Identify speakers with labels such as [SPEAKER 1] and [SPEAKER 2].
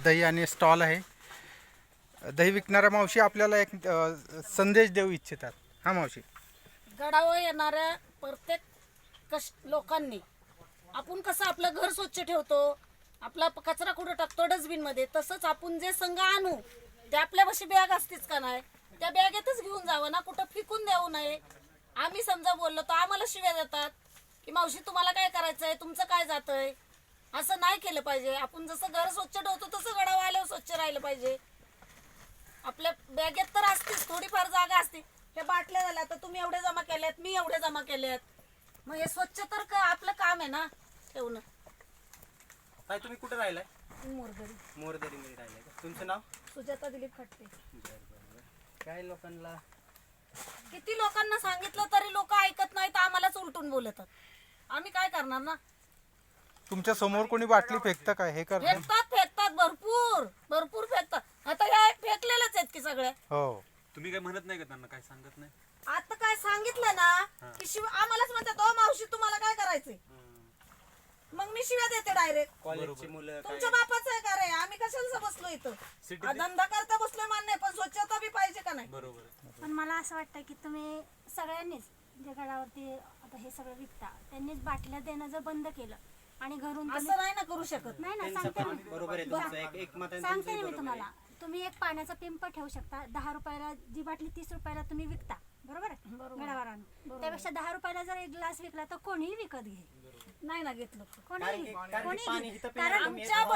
[SPEAKER 1] दही आणि स्टॉल आहे. दही विकणाऱ्या मावशी आपल्याला एक संदेश देऊ इच्छितात. हा मावशी.
[SPEAKER 2] गडावर येणाऱ्या प्रत्येक लोकांनी आपण कसं आपलं घर स्वच्छ ठेवतो, आपला कचरा कुठं टाकतो डस्टबिनमध्ये, तसंच आपण जे संघ आणू ते आपल्यापाशी बॅग असतेच का नाही, त्या बॅगेतच घेऊन जावं ना, कुठं फिकून देऊ नये. आम्ही समजा बोललो तर आम्हाला शिव्या देतात की मावशी तुम्हाला काय करायचंय, तुमचं काय जातंय. असं नाही केलं पाहिजे. आपण जसं घर स्वच्छ ठेवतो तसं गडावर आल्यावर स्वच्छ राहिलं पाहिजे. आपल्या बॅगेत तर असतेच थोडीफार जागा असते. हे बाटल्या झाल्या तर तुम्ही एवढे जमा केल्यात, मी एवढे जमा केल्यात, मग हे स्वच्छ तर आपलं काम आहे ना ठेवणं.
[SPEAKER 3] काय तुम्ही कुठे राहिलाय?
[SPEAKER 2] मोरगडी.
[SPEAKER 3] मोरदरीमध्ये राहिलाय का? तुमचं नाव?
[SPEAKER 2] सुजाता दिलीप खटते.
[SPEAKER 3] काय लोकांना
[SPEAKER 2] किती लोकांना सांगितलं तरी लोक ऐकत नाहीत, आम्हालाच उलटून बोलतात. आम्ही काय करणार ना.
[SPEAKER 1] तुमच्या समोर कोणी बाटली फेकतं काय हे करतात?
[SPEAKER 2] फेकतात भरपूर भरपूर फेकतात. आता या फेकलेलेच आहेत की सगळे.
[SPEAKER 1] हो.
[SPEAKER 4] तुम्ही काय म्हणत नाही का त्यांना? काय सांगत नाही?
[SPEAKER 2] आता काय सांगितलं ना की आम्हालाच म्हणतात ओ मावशी तुम्हाला काय करायचंय, मग मी शिव्या देते डायरेक्ट.
[SPEAKER 3] कॉलेजची मुलं
[SPEAKER 2] तुमच्या बापाचं आहे का रे? आम्ही कशाला बसलो इथं? धंदा करता बसलोय मान्य, पण स्वच्छता बी पाहिजे का नाही?
[SPEAKER 4] बरोबर.
[SPEAKER 5] पण मला असं वाटतं की तुम्ही सगळ्यांनीच जे गडावरती आता हे सगळं विकता त्यांनीच बाटल्या देणं जर बंद केलं आणि घरून तुम्ही-
[SPEAKER 2] असं नाही ना करू शकत.
[SPEAKER 5] नाही ना, सांगते मी.
[SPEAKER 3] बरोबर आहे तुमचं. एक मत
[SPEAKER 5] सांगते मी तुम्हाला. तुम्ही एक पाण्याचा पिंप ठेवू शकता. 10 रुपयाला जी बाटली 30 रुपयाला तुम्ही विकता, बरोबर आहे, गडावर आणून. त्यापेक्षा 10 रुपयाला जर एक ग्लास विकला तर कोणीही विकत घेईल.
[SPEAKER 2] नाही ना घेतलं.
[SPEAKER 5] कोणीही
[SPEAKER 3] कारण की पाणी
[SPEAKER 5] घेईल.
[SPEAKER 3] इथं
[SPEAKER 5] कारण
[SPEAKER 3] पिण्याचं